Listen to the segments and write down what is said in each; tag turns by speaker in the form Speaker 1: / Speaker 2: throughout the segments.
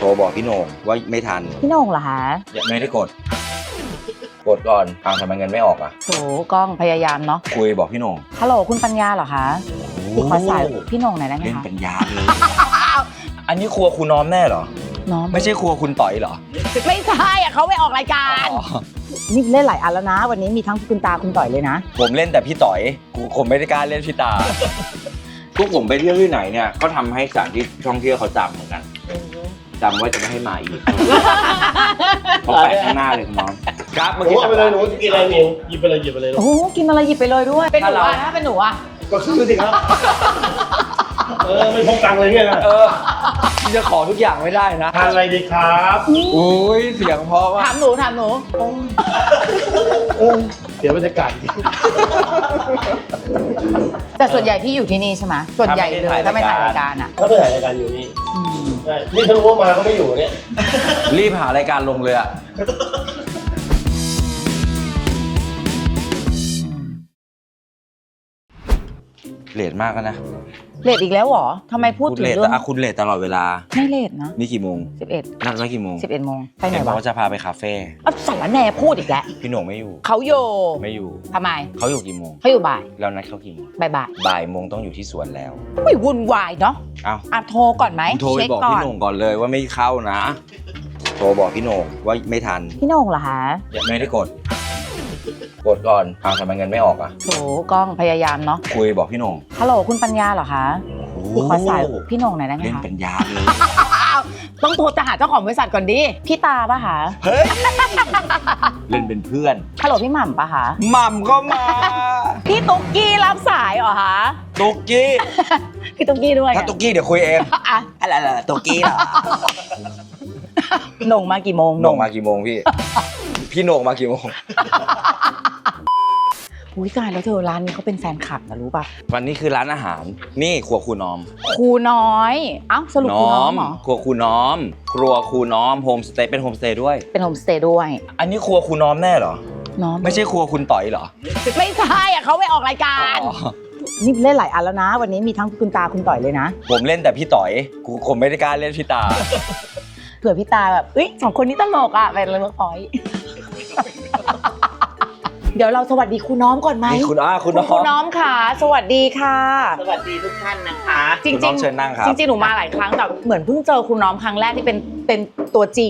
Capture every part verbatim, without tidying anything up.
Speaker 1: รบอกพี่โหน่งว่าไม่ทัน
Speaker 2: พี่โหน่งเหรอคะ
Speaker 1: ไม่ได้กดกดก่อนทางทำไมเงินไม่ออกอ่ะ
Speaker 2: โถกล้องพยายามเนาะ
Speaker 1: คุยบอกพี่โหน่ง
Speaker 2: ฮัลโหลคุณปัญญาเหรอคะพี่ขอสายพี่โหน่งหน่อยได้ไหมคะ
Speaker 1: เล่นปัญญาเลยอันนี้ครัวคุณน้อมแน่เหรอ
Speaker 2: น้อม
Speaker 1: ไม่ใช่ครัวคุณต่อยเหรอ
Speaker 2: ไม่ใช่อ่ะเขาไปออกรายการนี่เล่นหลายอันแล้วนะวันนี้มีทั้งคุณตาคุณต่อยเลยนะ
Speaker 1: ผมเล่นแต่พี่ต่อยกูผมไม่ได้กล้าเล่นพี่ตาพวกผมไปเที่ยวที่ไหนเนี่ยก็ทำให้สถานที่ท่องเที่ยวเขาจำเหมือนกันจำว่าจะไม่ให้มาอีกเขาแปะข้างหน้าเลยคุณน้องครับเมื่อกี้
Speaker 3: ไปเลยหนูกินอะไรหนูหยิบไปเลยหยิบไปเลย
Speaker 2: โอ้กินอะไรหยิบไปเลยด้วยเป็นหนูอะนะเป็นหนูอะ
Speaker 3: ก็ซื้อสิครับเออไม่พกตังค์เลยเนี่ยนะ
Speaker 1: เออจะขอทุกอย่างไม่ได้นะ
Speaker 3: ทานอะไรดีครับ
Speaker 1: อุ้ยเสียงเพราะว่า
Speaker 2: ถามหนูถามหนู
Speaker 3: เสียบรรยากาศ
Speaker 2: แต่ส่วนใหญ่ที่อยู่ที่นี่ใช่ไหมส่วนใหญ่เลยถ้าไม่ถ่ายรายการอ่ะ
Speaker 3: ก็ไปถ่ายรายการอยู่นี่ใช่นี่ถ้ารู้ว่ามาก็ไม่อยู่เนี่ย
Speaker 1: รีบหารายการลงเลยอะเลทมากนะ
Speaker 2: เลทอีกแล้วเหรอทำไมพูดถึงเรื่อง
Speaker 1: คุณเลทตลอดเวลา
Speaker 2: ไม่เลทนะ
Speaker 1: นี่กี่โมง
Speaker 2: สิบเอ็ด
Speaker 1: นัดไว้กี่โมง
Speaker 2: สิบเอ็ดโมงไปไหนวะ
Speaker 1: เขาจะพาไปคาเฟ่
Speaker 2: อ๋อสารแหน่พูดอีกแล้ว
Speaker 1: พี่โหน่งไม่อยู่
Speaker 2: เขาอยู่
Speaker 1: ไม่อยู่
Speaker 2: ทำไม
Speaker 1: เขาอยู่กี่โมง
Speaker 2: เขาอยู่บ่าย
Speaker 1: แล้วนัดเขากี่โมง
Speaker 2: บ่ายบ่าย
Speaker 1: บ่ายโมงต้องอยู่ที่สวนแล้ว
Speaker 2: ไม่วุ่นวายเนาะ
Speaker 1: อ้าว
Speaker 2: อ่ะโทรก่อนไหม
Speaker 1: โทรไปบอกพี่โหน่งก่อนเลยว่าไม่เข้านะโทรบอกพี่โหน่งว่าไม่ทัน
Speaker 2: พี่โหน่งเหรอคะ
Speaker 1: ไม่ได้กดกดก่อนทางทำไมเงินไม่ออกอ่ะ
Speaker 2: โถกล้องพยายามเนาะ
Speaker 1: คุยบอกพี่โหน่ง
Speaker 2: ฮัลโหลคุณปัญญาเหรอคะพี่ขอสายพี่โหน่งหน่อยได้ไหมคะ
Speaker 1: เล่นปัญญาเลย
Speaker 2: ต้องโทรจะหาเจ้าของบริษัทก่อนดิพี่ตาป่ะคะ
Speaker 1: เฮ้ยเล่นเป็นเพื่อน
Speaker 2: ฮัลโหลพี่หม่ำป่ะคะ
Speaker 1: หม่ำก็มา
Speaker 2: พี่ตุ๊กกี้รับสายเหรอคะ
Speaker 1: ตุ๊กกี้
Speaker 2: พี่ตุ๊กกี้ด้วย
Speaker 1: ถ้าตุ๊กกี้เดี๋ยวคุยเองอะไรอะไรตุ๊กกี้เหรอ
Speaker 2: โหน่งมากี่โมง
Speaker 1: โหน่งมากี่โมงพี่พี่โหน่งมากี่โมง
Speaker 2: อุ้ยตายแล้วเธอร้านนี้เขาเป็นแฟนคลับนะรู้ป่ะ
Speaker 1: วันนี้คือร้านอาหารนี่ครัวครูน้อม
Speaker 2: ครูน้อยเอ้าสรุปครูน้อมเหรอ
Speaker 1: ครัวครูน้อมครัวครูน้อมโฮมสเตย์เป็นโฮมสเตย์ด้วย
Speaker 2: เป็นโฮมสเตย์ด้วย
Speaker 1: อันนี้ครัวครูน้อมแน่เหรอ
Speaker 2: น้อม
Speaker 1: ไม่ใช่ครัวคุณต่อยเหรอ
Speaker 2: ไม่ใช่อ่ะเขาไปออกรายการนี่เล่นหลายอันแล้วนะวันนี้มีทั้งคุณตาคุณต่อยเลยนะ
Speaker 1: ผมเล่นแต่พี่ต่อยกูผมไม่ได้กล้าเล่นพี่ตา
Speaker 2: เผื่อพี่ตาแบบเอ้ยสองคนนี้ตลกอ่ะเป็นเลยเมื่อพอยเดี๋ยวเราสวัสดีครูน้อมก่อนไหม
Speaker 1: คุณอ้าคุณน้อม
Speaker 2: ครูน้อมค่ะสวัสดีค่ะ
Speaker 4: สวัสดีทุกท่านนะคะ
Speaker 2: จริงจริง
Speaker 1: เชิญนั่งครับ
Speaker 2: จริงๆหนูมาหลายครั้งแต่เหมือนเพิ่งเจอครูน้อมครั้งแรกที่เป็นเป็นตัวจริง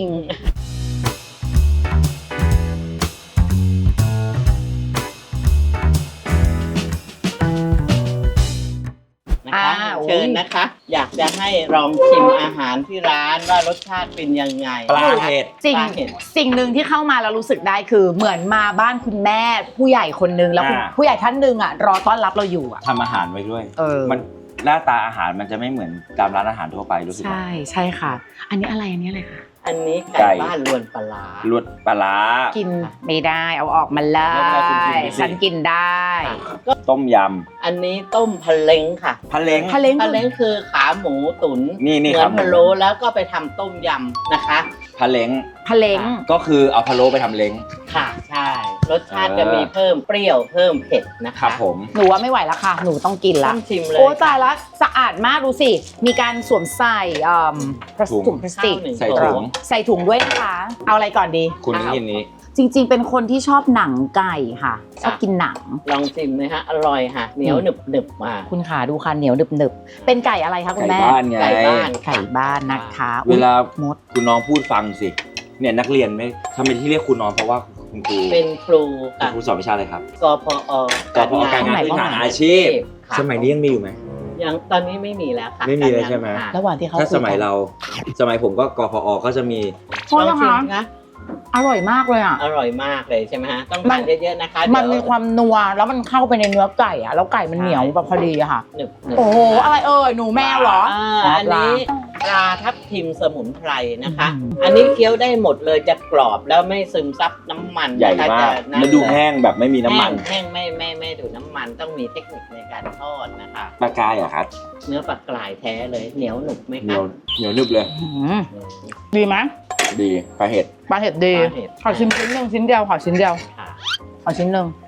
Speaker 4: นะคะเชิญนะคะอยากจะให้ลองชิมอาหารที่ร้านว่ารสชาติเป็นยังไง
Speaker 1: ปลาเห็ด
Speaker 2: สิ่งสิ่งหนึ่งที่เข้ามาแล้วรู้สึกได้คือเหมือนมาบ้านคุณแม่ผู้ใหญ่คนนึงแล้วผู้ใหญ่ท่านนึงอ่ะรอต้อนรับเราอยู่อ่ะ
Speaker 1: ทำอาหารไว้ด้วย
Speaker 2: เออ
Speaker 1: มันหน้าตาอาหารมันจะไม่เหมือนตามร้านอาหารทั่วไปรู้สึก
Speaker 2: ใช่ใช่ค่ะอันนี้อะไรอันนี้อะไรคะ
Speaker 4: อันนี้ไก่บ้านลวนปลา
Speaker 1: ลวนปลา
Speaker 2: กินไม่ได้เอาออกมาเลยฉันกินได้
Speaker 1: ต้มย
Speaker 4: ำอันนี้ต้มพะเล้งค่ะ
Speaker 1: พะเล้ง
Speaker 2: พะเล้ง
Speaker 4: พะเล้งคือขาหมูตุ๋น
Speaker 1: นี่นี่
Speaker 4: เหมือนพะโล้แล้วก็ไปทำต้มยำนะคะ
Speaker 1: พะเล้ง
Speaker 2: พะเล้ง
Speaker 1: ก็คือเอาพะโล้ไปทำเล้ง
Speaker 4: ค่ะใช่รสชาติจะมีเพิ่มเปรี้ยวเพิ่มเผ็ดนะคะ
Speaker 1: ครับผม
Speaker 2: หนูว่าไม่ไหวแล้วค่ะหนูต้องกินละ
Speaker 4: ต้องชิมเลย
Speaker 2: โอ้ตายละสะอาดมากดูสิมีการสวมใส่ถุงพลาสติก
Speaker 1: ใส่ถุง
Speaker 2: ใส่ถุงด้วยนะคะเอาอะไรก่อนดี
Speaker 1: คุณนี่นี้
Speaker 2: จริงๆเป็นคนที่ชอบหนังไก่ค่ะชอบกินหนัง
Speaker 4: ลองชิมเลยฮะอร่อยค่ะเหนียวหนึบหนึบมา
Speaker 2: คุณขาดูค่ะเหนียวหนึบหนึบเป็นไก่อะไรคะคุณแม่
Speaker 1: ไก่บ้านไง
Speaker 4: ไก่บ้าน
Speaker 2: ไก่บ้านนะคะ
Speaker 1: เวลามดคุณน้องพูดฟังสิเนี่ยนักเรียนไม่ทำไมที่เรียกคุณน้องเพราะว่าคุณครู
Speaker 4: เป็นครู
Speaker 1: ครูสอนวิชาอะไรครับ
Speaker 4: กพอก
Speaker 1: พอการงานพื้นฐานอาชีพสมัยนี้ยังมีอยู่ไหม
Speaker 4: ยังตอนนี้ไม่มีแล้วค่ะ
Speaker 1: ไม่มีแล้วใช่ไหม
Speaker 2: ระหว่างที่เขา
Speaker 1: ถ้าสมัยเราสมัยผมก็กพอก็จะมี
Speaker 2: โทษนะคะอร่อยมากเลยอ่ะ
Speaker 4: อร่อยมากเลยใช่ไหมฮะต้องทานเยอะๆนะคะ
Speaker 2: มันมีความนัวแล้วมันเข้าไปในเนื้อไก่อ่ะแล้วไก่มันเหนียวแบบพอดีอะค่ะ
Speaker 4: หนึบ
Speaker 2: โอ้โหอะไรเอ่ยหนูแมวเหรอ
Speaker 4: อันนี้ปลาทับทิมสมุนไพรนะคะอันนี้เคี้ยวได้หมดเลยจะกรอบแล้วไม่ซึมซับน้ำมัน
Speaker 1: ใหญ่มากแล้วดูแห้งแบบไม่มีน้ำมัน
Speaker 4: แห้งไม่ไม่ไม่ดูน้ำมันต้องมีเทคนิคในการทอดนะคะ
Speaker 1: ปลากายอะครับ
Speaker 4: เนื้อปลากรายแท้เลยเหนียวหนุบไหมคะ
Speaker 1: เหนียวเหนียวหนึบเลย
Speaker 2: ดีไหม
Speaker 1: ดีปลาเห็ด
Speaker 2: ปลาเห็ดดีขอชิ้นชิ้นหนึ่งชิ้นเดียวขอชิ้นเดียวขอชิ้นหนึ่ง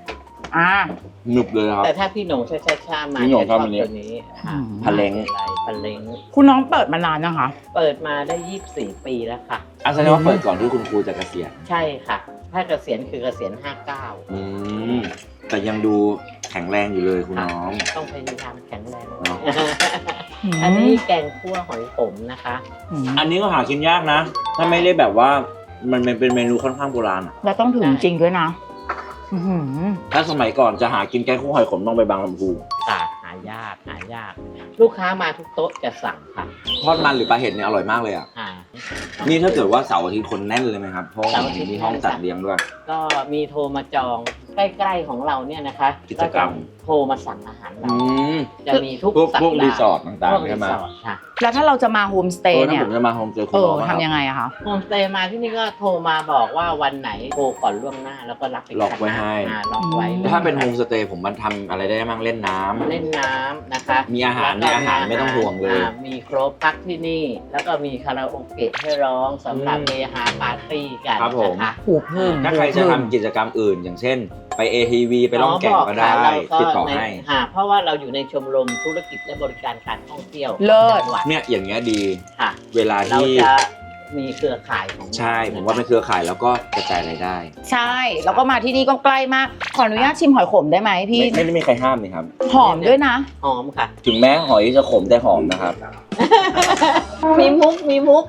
Speaker 2: อ่า
Speaker 1: หนึบเลยครับ
Speaker 4: แต่ถ้าพี่หนงช้าช้าๆมา
Speaker 1: พี่หน่ง
Speaker 4: จะชอบ
Speaker 1: ชอบอันนี้
Speaker 4: ตัวนี้ค่ะ
Speaker 1: พะเล้ง
Speaker 4: อะไรพะเล้ง
Speaker 2: คุณน้องเปิดมานานยังคะ
Speaker 4: เปิดมาได้ยี่สิบสี่ปีแล้วค่ะ
Speaker 1: อาแสดงว่าเปิดก่อนที่คุณครูจะเกษียณ
Speaker 4: ใช่ค่ะ ถ้าเกษียณคือเกษียณห้าเก้า
Speaker 1: อืมแต่ยังดูแข็งแรงอยู่เลยคุณน้อง
Speaker 4: ต้องพยายามแข็งแรง
Speaker 1: เนาะ
Speaker 4: อันนี้แกงคั่วหอยขมนะคะ
Speaker 2: อืม
Speaker 1: อันนี้ก็หากินยากนะ ถ้าไม่ได้แบบว่ามันเป็นเมนูค่อนข้างโบราณอะ
Speaker 2: แล้วต้องถึงจริงด้วยนะอื้อหือ
Speaker 1: ถ้าสมัยก่อนจะหากินแกงคั่วหอยขมต้องไปบางลำพู
Speaker 4: ศาสตร์หายากหายาก ลูกค้ามาทุกโต๊ะจะสั่งค่ะ
Speaker 1: ทอดมันหรือปลาเห็ดเนี่ยอร่อยมากเลยอ่ะ
Speaker 4: อ่า
Speaker 1: นี่ถ้าเกิดว่าเสาร์อาทิตย์คนแน่นเลยไหมครับ เพราะว่า
Speaker 4: เสาร์อาทิตย์
Speaker 1: มีห้องจัดเลี้ยงด้วย
Speaker 4: ก็มีโทรมาจองใกล้ๆของเราเนี่ยนะคะ
Speaker 1: กิจกรรม
Speaker 4: โทรมาสั่งอาหารเรา
Speaker 1: อืม
Speaker 4: จะมีทุก
Speaker 1: พวก
Speaker 4: สัป
Speaker 1: พวก
Speaker 4: ดาห์
Speaker 1: รีสอร์ทต่าง
Speaker 4: พวก
Speaker 1: ๆ
Speaker 4: รี
Speaker 1: ใช่ไหม
Speaker 4: สอร์ทค่ะ
Speaker 2: แล้วถ้าเราจะมาโฮมสเต
Speaker 1: เออ
Speaker 2: ย์
Speaker 1: ถ้า
Speaker 2: เนี่
Speaker 1: ผ
Speaker 2: ย
Speaker 1: มจะมาโฮมเจอคุ
Speaker 2: เอ
Speaker 1: ณ
Speaker 2: อ
Speaker 1: น้อง
Speaker 2: ทำยังไงอะคะ
Speaker 4: โฮมสเตย์มาที่นี่ก็โทรมาบอกว่าวันไหนโทรก่อนล่วงหน้าแล้วก็รับไป
Speaker 1: ล็อกไว้ให้
Speaker 4: อ่าล็อกไว้
Speaker 1: ถ้าเป็นโฮมสเตย์ผมมันทำอะไรได้บ้างเล่นน้ำ
Speaker 4: เล่นน้ำนะคะ
Speaker 1: มีอาหาร
Speaker 4: แล้วก็
Speaker 1: มีอาหารไม่ต้องห่วงเลย
Speaker 4: ามีครบพักที่นี่ แล้วก็มีคาราโอเกะให้ร้องสำหรับ
Speaker 1: อืม
Speaker 4: เฮฮาปาร์ตี้กัน
Speaker 1: ครับผม
Speaker 4: นะคะ
Speaker 2: หูพึ่ง
Speaker 1: ถ้าใครจะทำกิจกรรมอื่น อย่างเช่น ไป เอ ที วี ไปล่องแก่งก็ได้
Speaker 4: อ๋อบอกค่ะ
Speaker 1: ติดต่อ
Speaker 4: เราก็
Speaker 1: ให้
Speaker 4: ค่ะเพราะว่าเราอยู่ในชมรมธุรกิจและบริการการท่องเที่ยว
Speaker 2: เลิศ
Speaker 4: จังหวัด
Speaker 1: เนี่ยอย่างเงี้ยดี
Speaker 4: ค่ะ
Speaker 1: เวลา
Speaker 4: เรา
Speaker 1: ที่
Speaker 4: จะมีเครือข่ายของ
Speaker 1: ใช่ ผมว่าเป็นเครือข่ายแล้วก็กระจายรายได้
Speaker 2: ใช่ แล้วก็มาที่นี่ก็ใกล้มาก ขออนุญาตชิมหอยขมได้ไหมพี่
Speaker 1: ไม่ไม่ได้มีใครห้ามเลยครับ
Speaker 2: หอมด้วยนะ
Speaker 4: หอมค่ะ
Speaker 1: ถึงแม้หอยจะขมแต่หอมนะครับ
Speaker 4: มีมุกมีมุก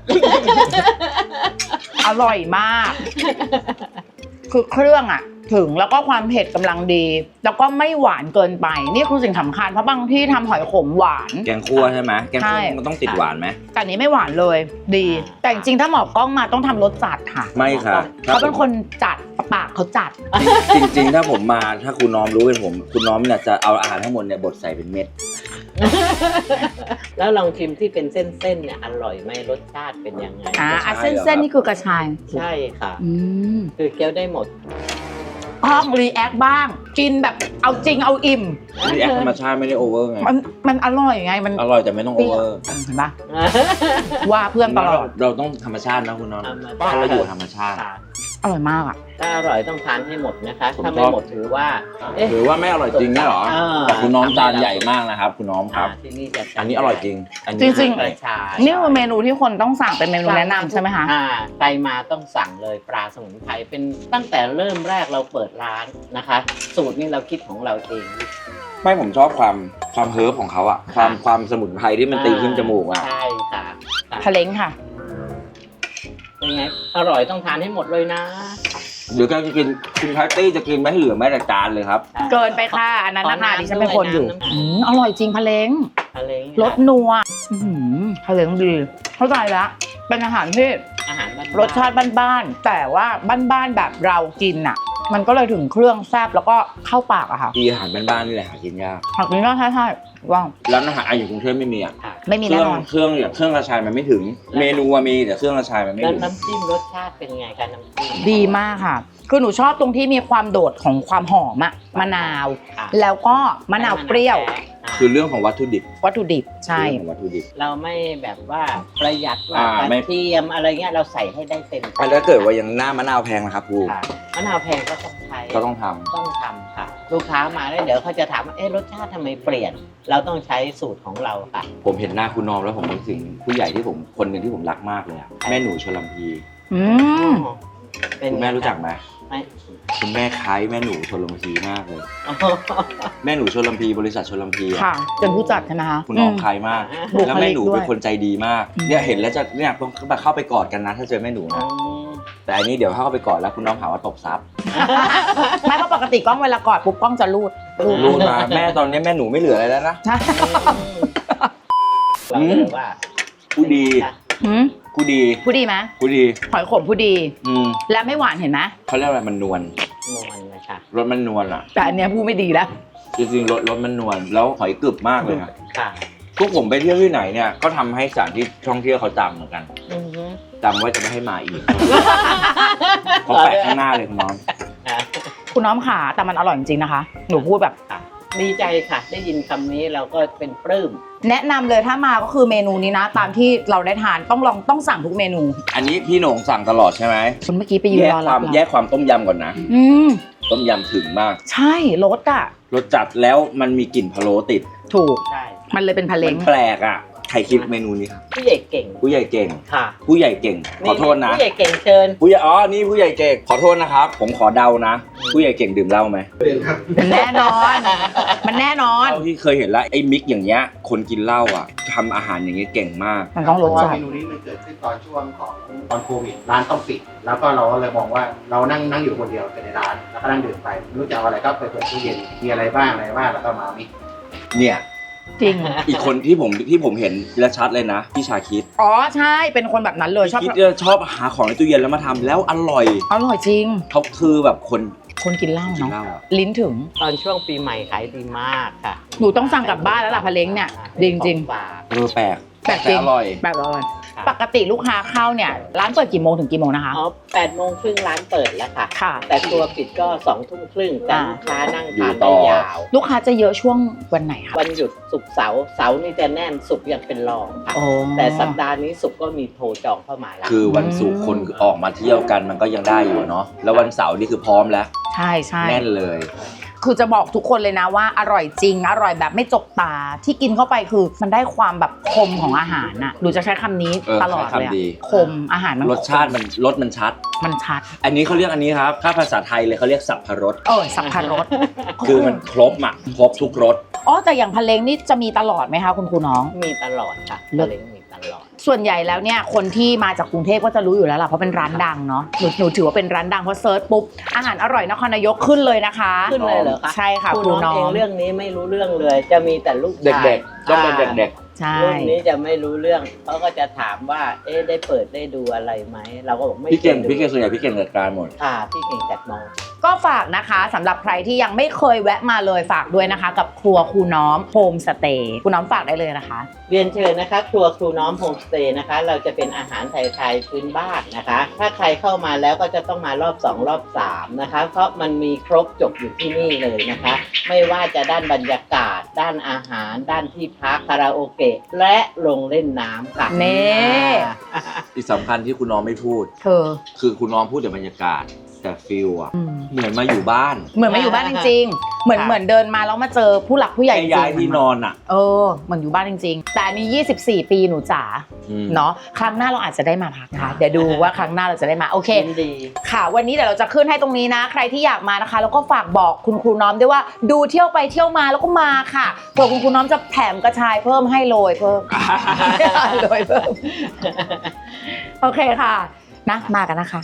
Speaker 2: อร่อยมาก คือเครื่องอ่ะ ถึงแล้วก็ความเผ็ดกำลังดี แล้วก็ไม่หวานเกินไป นี่คือสิ่งสำคัญเพราะบางที่ทำหอยขมหวาน
Speaker 1: แกงคั่วใช่ไหมแกงคั่ว
Speaker 2: ใช่
Speaker 1: มันต้องติดหวานไหม
Speaker 2: แต่อันนี้ไม่หวานเลย ดี แต่จริงๆถ้าหมอกล้องมาต้องทำรสจัดค่ะ
Speaker 1: ไม่ค่ะ
Speaker 2: เขาเป็นคนจัดปากเขาจัด
Speaker 1: จริงจริงๆ ถ้าผมมาถ้าคุณน้อมรู้เป็นผม คุณน้อมเนี่ยจะเอาอาหารทั้งหมดเนี่ยบดใส่เป็นเม็ด
Speaker 4: แล้วลองชิมที่เป็นเส้นๆเนี่ยอร่อยไหมรสชาติเป็นยังไง
Speaker 2: อ่าอ่ะ
Speaker 1: ใช่
Speaker 2: เส้น
Speaker 1: เหรอครับ
Speaker 2: เส้นนี่คือกระชาย
Speaker 4: ใช่ค่ะ
Speaker 2: อืม
Speaker 4: คือเคี้ยวได้หมด
Speaker 2: ห้องรีแอคบ้าง กินแบบเอาจริงเอาอิ่ม
Speaker 1: รีแอคธรรมชาติไม่ได้โอเวอร์ไง
Speaker 2: มันมันอร่อยไง มัน
Speaker 1: อร่อยแต่ไม่ต้องโอเวอร์
Speaker 2: เห็นปะว่าเพื่อนตลอด
Speaker 1: เราต้องธรรมชาตินะคุณน้อง
Speaker 4: ธรรมชาติ
Speaker 1: ถ้าเราอยู่ธรรมชาติ
Speaker 4: ค่ะ
Speaker 2: อร่อยมากอ่ะ
Speaker 4: ถ้าอร่อยต้องทานให้หมดนะคะ
Speaker 1: ผม
Speaker 4: ถ้าไม่
Speaker 1: ชอบ
Speaker 4: หมดถือว่า เอ๊ะ
Speaker 1: หรือว่าไม่อร่อยจริงเนี่ยเหรอ
Speaker 4: เออ
Speaker 1: แต่คุณน้องจานใหญ่มากนะครับ คุณน้องครับ
Speaker 4: อ่าที่นี่จะ
Speaker 1: อันนี้อร่อยจริง อัน
Speaker 2: จ
Speaker 1: นี้
Speaker 2: ริง
Speaker 4: กระชาย
Speaker 2: นี่คือเมนูที่คนต้องสั่งเป็นเมนูแนะนำใช่ไหมคะ
Speaker 4: อ่าใครมาต้องสั่งเลยปลาสมุนไพรเป็นตั้งแต่เริ่มแรกเราเปิดร้านนะคะ สูตรนี้เราคิดของเราเอง
Speaker 1: ไม่ผมชอบความความเฮิร์บของเขาอะความความสมุนไพรที่มันตีขึ้นจมูกอะ
Speaker 4: ใช่ค่ะค่ะ
Speaker 2: ทะเล้งค่ะ
Speaker 4: เป็นไงอร่อยต้องทานให้หมดเลยนะ
Speaker 1: หรือการจะกินคุณแพตตี้จะกินไม่ให้เหลือแม้แต่จานเลยครับ
Speaker 2: เกินไปค่ะ อันนั้นนะคะดิฉันเป็นคนอยู่
Speaker 4: น้ำ
Speaker 2: อืมอร่อยจริงพะเล้ง
Speaker 4: ทะเล
Speaker 2: รสนัวอื้อหือพะเล้งดี เข้าใจแล้ว เป็นอาหารที่
Speaker 4: อาหารบ้านๆ
Speaker 2: รสชาติบ้านๆ แต่ว่าบ้านๆแบบเรากินอ่ะ มันก็เลยถึงเครื่องแซ่บแล้วก็เข้าปากอะค่ะ
Speaker 1: ที่อาหารบ้านๆนี่แหละหากินยาก
Speaker 2: ผักนี้ก็ใช่ใช่ๆว่าง
Speaker 1: ร้านอาหารอ่ะอยู่กรุงเทพไม่มีอะ
Speaker 4: ค่ะ
Speaker 2: ไม่มี
Speaker 1: เค
Speaker 2: แน่
Speaker 1: รื่อง
Speaker 2: นอน
Speaker 1: เครื่องอย่างเครื่องกระชายมันไม่ถึง เมนูอะมีแต่เครื่องกระชายมันไม่
Speaker 4: แล้ว
Speaker 1: ถึง
Speaker 4: น้ำจิ้มรสชาติเป็นไงคะน้ำจิ้ม
Speaker 2: ดีมากค่ะ คือหนูชอบตรงที่มีความโดดของความหอมอะมะนาว
Speaker 4: ค่ะ
Speaker 2: แล้วก็มะนาวเปรี้ยว
Speaker 4: อ่า
Speaker 1: คือเรื่องของวัตถุดิบ
Speaker 2: วัตถุดิบใช่
Speaker 1: เรื่องของวัตถุดิบ
Speaker 4: เราไม่แบบว่าประหยัดว่า
Speaker 1: อ่าก ไม่
Speaker 4: ระเทียมอะไรเงี้ยเราใส่ให้ได้เต็ม
Speaker 1: อันแล้วเกิดว่ายังหน้ามะนาวแพงนะครับครู
Speaker 4: ค่ะมะนาวแพงก็ต้องใช้
Speaker 1: ก็ต้องทำ
Speaker 4: ต้องทำค่ะ ลูกค้ามาแล้วเดี๋ยวเขาจะถามว่าเอ๊ะรสชาติทำไมเปลี่ยน เราต้องใช้สูตรของเราค่ะ
Speaker 1: ผมเห็นหน้าคุณน้อมแล้วผมนึกถึงผู้ใหญ่ที่ผมคนหนึ่งที่ผมรักมากเลยอะแม่หนูชลัมพี
Speaker 2: อืม
Speaker 4: เป็น
Speaker 1: คุณแม่รู้จักไหม
Speaker 4: ไหม
Speaker 1: คุณแม่คล้ายแม่หนูชลัมพีมากเลย แม่หนูชลัมพีบริษัทชลัมพีอะ
Speaker 2: ค่ะเป็นผู้จัดใช่ไหมคะ
Speaker 1: คุณน้อง
Speaker 2: ม
Speaker 1: คล้ายมาก
Speaker 2: บุคลิก
Speaker 1: แล้วแม่หนู
Speaker 2: ด้วย
Speaker 1: เป็นคนใจดีมาก
Speaker 2: อืม
Speaker 1: เนี่ยเห็นแล้วจะเนี่ยต้องเข้าไปกอดกันนะถ้าเจอแม่หนู
Speaker 4: อื
Speaker 1: นะ
Speaker 4: ม
Speaker 1: แต่อันนี้เดี๋ยวถ้าเข้าไปกอดแล้วคุณน้องหาว่าตบซับ
Speaker 2: ไม่เพราะปกติกล้องเวลากอดปุ๊บกล้องจะรูดรูด
Speaker 1: รู้มาแม่ตอนนี้แม่หนูไม่เหลืออะไรแล้วนะ
Speaker 2: ใช่
Speaker 4: เราก็เลยว่า
Speaker 1: ผู้ดี
Speaker 2: หืม
Speaker 1: ผู้ดี
Speaker 2: ผู้ดีไหม
Speaker 1: ผู้ดี
Speaker 2: หอยขมผู้ดี
Speaker 1: อืม
Speaker 2: และไม่หวานเห็นไหม
Speaker 1: เขาเรียกอะไรมันนวล
Speaker 4: นวลนะคะ
Speaker 1: รสมันนวลอ่ะ
Speaker 2: แต่อันเนี้ยผู้ไม่ดีแล้ว
Speaker 1: จริงๆรสรสมันนวลแล้วหอยกรึบมากเลยอะ
Speaker 4: ค่ะ
Speaker 1: พวกผมไปเที่ยวที่ไหนเนี่ยก็ทำให้สถานที่ท่องเที่ยวเขาจำเหมือนกัน
Speaker 4: อือฮึ
Speaker 1: จำว่าจะไม่ให้มาอีกเขาแปะข้างหน้าเลยคุณน้อง
Speaker 4: ค่ะ
Speaker 2: คุณน้อมขาแต่มันอร่อยจริงๆนะคะ หนูพูดแบบ
Speaker 4: ค่ะดีใจค่ะ ได้ยินคำนี้เราก็เป็นปลื้ม
Speaker 2: แนะนำเลยถ้ามาก็คือเมนูนี้นะ ตามที่เราได้ทานต้องลองต้องสั่งทุกเมนู
Speaker 1: อันนี้พี่โหน่งสั่งตลอดใช่ไหม
Speaker 2: คุณเมื่อกี้ไปยืน
Speaker 1: แยก
Speaker 2: รอ
Speaker 1: ค
Speaker 2: รั
Speaker 1: วา
Speaker 2: บ
Speaker 1: ม
Speaker 2: เหรอ
Speaker 1: แยกความต้มยำก่อนนะ
Speaker 2: อืม
Speaker 1: ต้มยำถึงมาก
Speaker 2: ใช่รสอ่ะ
Speaker 1: รสจัดแล้วมันมีกลิ่นพะโล้ติด
Speaker 2: ถูก
Speaker 4: ใช่
Speaker 2: มันเลยเป็นพะเล้
Speaker 1: มั
Speaker 2: ง
Speaker 1: นแปลกอ่ะใครคิดเมนูนี้ครับ
Speaker 4: ผู้ใหญ่เก่ง
Speaker 1: ผู้ใหญ่เก่ง
Speaker 4: ค่ะ
Speaker 1: ผู้ใหญ่เก่งขอโทษนะ
Speaker 4: ผู้ใหญ่เก่งเชิญ
Speaker 1: ผู้ใหญ่อ๋อนี่ผู้ใหญ่เก่งขอโทษนะครับผมขอเดานะ ผู้ใหญ่เก่งดื่มเหล้าไหม
Speaker 2: มันแน่นอน มันแน่นอน
Speaker 1: เท่าที่เคยเห็นแล้วไอ้มิกอย่างเงี้ยคนกินเหล้าอ่ะทำอาหารอย่างเงี้ยเก่งมาก
Speaker 2: มันต้อง
Speaker 3: เพ
Speaker 2: รส
Speaker 3: ราะว่า
Speaker 2: จัด
Speaker 3: เมนูนี้มันเกิดขึ้นตอนช่วงของตอนโควิดร้านต้องปิด แล้วก็เราก็เลยมองว่าเรานั่งนั่งอยู่คนเดียวในร้านแล้วก็นั่งดื่มไปไม่รู้จะเอาอะไรก็ไปเปิดตู้เย็นมีอะไรบ้างอะไรบ้างแล้วก็มามิก
Speaker 1: เนี่ย
Speaker 2: จริง
Speaker 1: อีกคนที่ผมที่ผมเห็นและชัดเลยนะพี่ชาคิด
Speaker 2: อ๋อใช่เป็นคนแบบนั้นเลยชอบ
Speaker 1: คิดจะชอบหาของในตู้เย็นแล้วมาทำแล้วอร่อย
Speaker 2: อร่อยจริง
Speaker 1: เขาคือแบบคน
Speaker 2: คนกินเหล้า
Speaker 1: กิน
Speaker 2: เนาะ
Speaker 1: เหล้าอะ
Speaker 2: ลิ้นถึง
Speaker 4: ตอนช่วงปีใหม่ขายดีมากค่ะ
Speaker 2: หนูต้องสั่งกลับบ้านแล้วล่ะพะเล้งเนี่ยจริงจริง
Speaker 4: ของฝาก
Speaker 1: เออแปลก
Speaker 2: ๆแบบจริง
Speaker 1: อร่อย
Speaker 2: แบบอร่อยปกติลูกค้าเข้าเนี่ยร้านเปิดกี่โมงถึงกี่โมงนะคะ
Speaker 4: อ๋อแปดโมงครึ่งร้านเปิดแล้วค่ะ
Speaker 2: ค่ะ
Speaker 4: แต่ครัวปิดก็สองทุ่มครึ่งแต่
Speaker 2: อ่า
Speaker 4: ลูกค้านั่ง
Speaker 1: อยู่
Speaker 4: ทาน
Speaker 1: ต่
Speaker 4: ได้
Speaker 1: อ
Speaker 4: ยาว
Speaker 2: ลูกค้าจะเยอะช่วงวันไหนคะ
Speaker 4: วันหยุดศุกร์เสาร์เสาร์นี่จะแน่นศุกร์ยังเป็นรองค่ะ
Speaker 2: โอ้
Speaker 4: แต่สัปดาห์นี้ศุกร์ก็มีโทรจองเข้ามาแล้ว
Speaker 1: คือวันศุกร์คนออกมาเที่ยวกันมันก็ยังได้อยู่เนาะแล้ววันเสาร์นี่คือพร้อมแล้ว
Speaker 2: ใช่ใช่
Speaker 1: แน่นเลย
Speaker 2: คือจะบอกทุกคนเลยนะว่าอร่อยจริง อร่อยแบบไม่จกตาที่กินเข้าไปคือมันได้ความแบบคมของอาหารน่ะหนูจะใช้คำนี้
Speaker 1: เออ
Speaker 2: ตลอด
Speaker 1: ใช้
Speaker 2: เลยอะ
Speaker 1: คำดี
Speaker 2: คมอาหารมัน
Speaker 1: รสชาติมันรสมันชัด
Speaker 2: มันชัด
Speaker 1: อันนี้เขาเรียกอันนี้ครับถ้าภาษาไทยเลยเขาเรียกสับพรส
Speaker 2: เออสับพารส
Speaker 1: คือมันครบอ่ะครบทุกรส
Speaker 2: อ๋อแต่อย่างพะเล้งนี่จะมีตลอดไหมคะคุณครูน้อง
Speaker 4: มีตลอดค่ะ
Speaker 2: เลิศ
Speaker 4: มะเร็งมีตลอด
Speaker 2: ส่วนใหญ่แล้วเนี่ยคนที่มาจากกรุงเทพก็จะรู้อยู่แล้วล่ะเพราะเป็นร้านดังเนาะหนูหนูถือว่าเป็นร้านดังเพราะเซิร์ชปุ๊บอาหารอร่อยนครนายกขึ้นเลยนะคะ
Speaker 4: ขึ้นเลยเหรอคะ
Speaker 2: ใช่ค่ะ
Speaker 4: ค
Speaker 2: ค
Speaker 4: รู
Speaker 2: รู
Speaker 4: น้
Speaker 2: น้
Speaker 4: อ
Speaker 2: อง ง
Speaker 4: เองเรื่องนี้ไม่รู้เรื่องเลย จะมีแต่ลูกชาย
Speaker 1: เด็กๆต้องเป็นเด็ก
Speaker 2: ใช่
Speaker 4: รุ่นนี้จะไม่รู้เรื่องเขาก็จะถามว่าเอ๊ะได้เปิดได้ดูอะไรไหมเราก็บอกไม่
Speaker 1: ๆพี่เก่ง
Speaker 4: ได้ดู
Speaker 1: พี่เก่งส่วนใหญ่พี่เก่งจัดการหมด
Speaker 4: ค่ะพี่เก่งจัดมอง
Speaker 2: ก็ฝากนะคะสำหรับใครที่ยังไม่เคยแวะมาเลยฝากด้วยนะคะ กับครัวครูน้อมโฮมสเตย์ครูน้อมฝากได้เลยนะคะ
Speaker 4: เรียนเชิญนะคะครัวครูน้อมโฮมสเตย์นะคะ เราจะเป็นอาหารไทยๆพื้นบ้านนะคะ ถ้าใครเข้ามาแล้วก็จะต้องมารอบสองรอบสามนะคะ เพราะมันมีครบจบอยู่ที่นี่เลยนะคะ ไม่ว่าจะด้านบรรยากาศ ด้านอาหาร ด้านที่พักคาราโอเกะและลงเล่นน้ำค่ะ
Speaker 2: เน่
Speaker 1: อีกสำคัญที่คุณน้องไม่พูด
Speaker 2: เธอ
Speaker 1: คือคุณน้องพูดแต่บรรยากาศแต่ฟิลอะ
Speaker 2: อืม
Speaker 1: เหมือนมาอยู่บ้าน
Speaker 2: เหมือนมาอยู่บ้านจริงๆ เหมือน
Speaker 4: ค่ะ
Speaker 2: เหมือนเดินมาแล้วมาเจอผู้หลักผู้ใหญ่จ
Speaker 1: แค่
Speaker 2: ริง
Speaker 1: ย้ายที่นอนอะ
Speaker 2: เออเหมือนอยู่บ้านจริงๆ แต่อันนี้ยี่สิบสี่ปีหนูจ๋า
Speaker 1: อืม
Speaker 2: เนาะครั้งหน้าเราอาจจะได้มาพักนะคะเดี๋ยวดูว่าครั้งหน้าเราจะได้มาโอเค
Speaker 4: ยินดี
Speaker 2: ค่ะวันนี้เดี๋ยวเราจะขึ้นให้ตรงนี้นะ ใครที่อยากมานะคะ แล้วก็ฝากบอกคุณครูน้อมด้วยว่าดูเที่ยวไปเที่ยวมาแล้วก็มาค่ะเผื่อคุณครูน้อมจะแถมกระชายเพิ่มให้โรยเพิ่ม โรยเพิ่มโอเคค่ะนะมากันนะคะ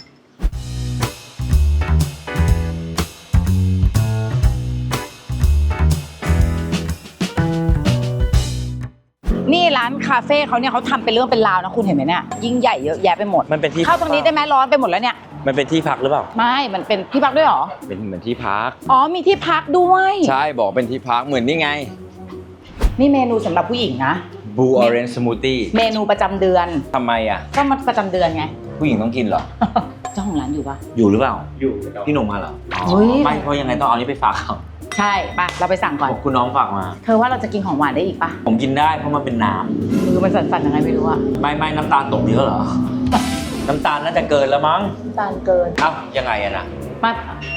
Speaker 2: นี่ร้านคาเฟ่เขาเนี่ยเขาทำเป็นเรื่องเป็นราวนะคุณเห็นไหมเนี่ยยิ่งใหญ่เยอะแยะไปหมด
Speaker 1: มันเป็นที่
Speaker 2: เข้าตรงนี้ได้ไหมร้อนไปหมดแล้วเนี่ย
Speaker 1: มันเป็นที่พักหรือเปล่า
Speaker 2: ไม่ มันเป็นที่พักด้วยเหรอ
Speaker 1: เป็นเหมือนที่พัก
Speaker 2: อ๋อ มีที่พักด้วย
Speaker 1: ใช่บอกเป็นที่พักเหมือนนี่ไง
Speaker 2: นี่เมนูสำหรับผู้หญิงนะ
Speaker 1: Blue Orange Smoothie
Speaker 2: เมนูประจำเดือน
Speaker 1: ทำไมอ่ะ
Speaker 2: ก็มันประจำเดือนไง
Speaker 1: ผู้หญิงต้องกินเหรอ
Speaker 2: เจ้าของร้านอยู่ปะ
Speaker 1: อยู่หรือเปล่า
Speaker 3: อยู่นะครับ
Speaker 1: พี่หนุ่มมาเหรออ๋อ
Speaker 2: เฮ้ย
Speaker 1: ไม่เพราะยังไงต้องเอานี้ไปฝากเขา
Speaker 2: ใช่ปะเราไปสั่งก่อน
Speaker 1: คุณน้องฝากมา
Speaker 2: เธอว่าเราจะกินของหวานได้อีกปะ
Speaker 1: ผมกินได้เพราะมันเป็นน้
Speaker 2: มือมันสั่นๆยังไงไม่รู้อะ
Speaker 1: ำไม่ไม่น้ำตาลตกเยอะเหรอ น้ำตาลน่าจะเกินแล้วมั้ง
Speaker 2: ตาลเกิน
Speaker 1: เอ้ายังไงอะนะ
Speaker 2: มา